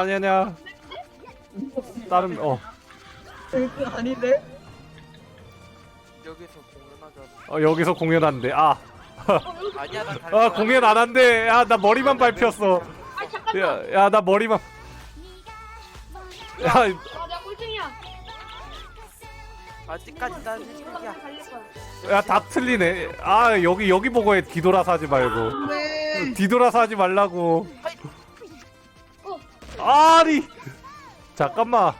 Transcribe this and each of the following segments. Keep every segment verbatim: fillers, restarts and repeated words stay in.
아니 아니야. 다른 어, 그 아닌데? 여기서 공연하자. 어 여기서 공연한대. 아, 아니야 난 갈 아 거야. 공연 안 한대. 야 나 머리만 밟혔어. 아 잠깐만. 야 야 나 머리만. 야 아 내가 꼴등이야. 아직까지 난 일 등이야. 달릴 거야. 야 다 틀리네. 아 여기 여기 보고 해. 뒤돌아서 하지 말고. 왜? 뒤돌아서 하지 말라고. 아니 잠깐만.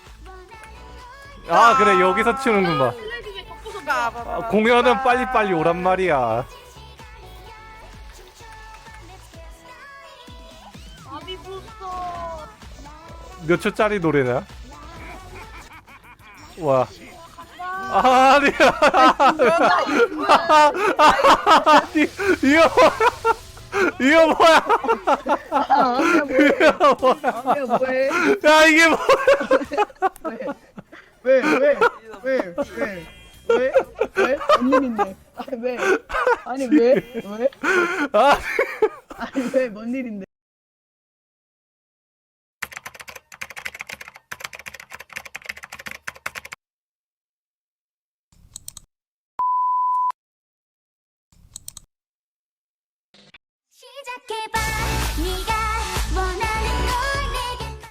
아 그래 여기서 치는구만. 슬라이딩에 덮어서 아, 공연은 빨리빨리 오란 말이야. 아비 부스터. 몇 초짜리 노래냐? 와. 아니야. 아니, 이거 뭐야? 이거 뭐야? 아, 아니야 뭐해? 이거 뭐야? 아니야 뭐해? 야 이게 뭐야? 왜? 왜? 왜? 왜? 왜? 왜? 왜? 뭔 일인데? 아니 왜? 아니 왜? 왜? 아, 아니 왜? 뭔 일인데? 시작해봐.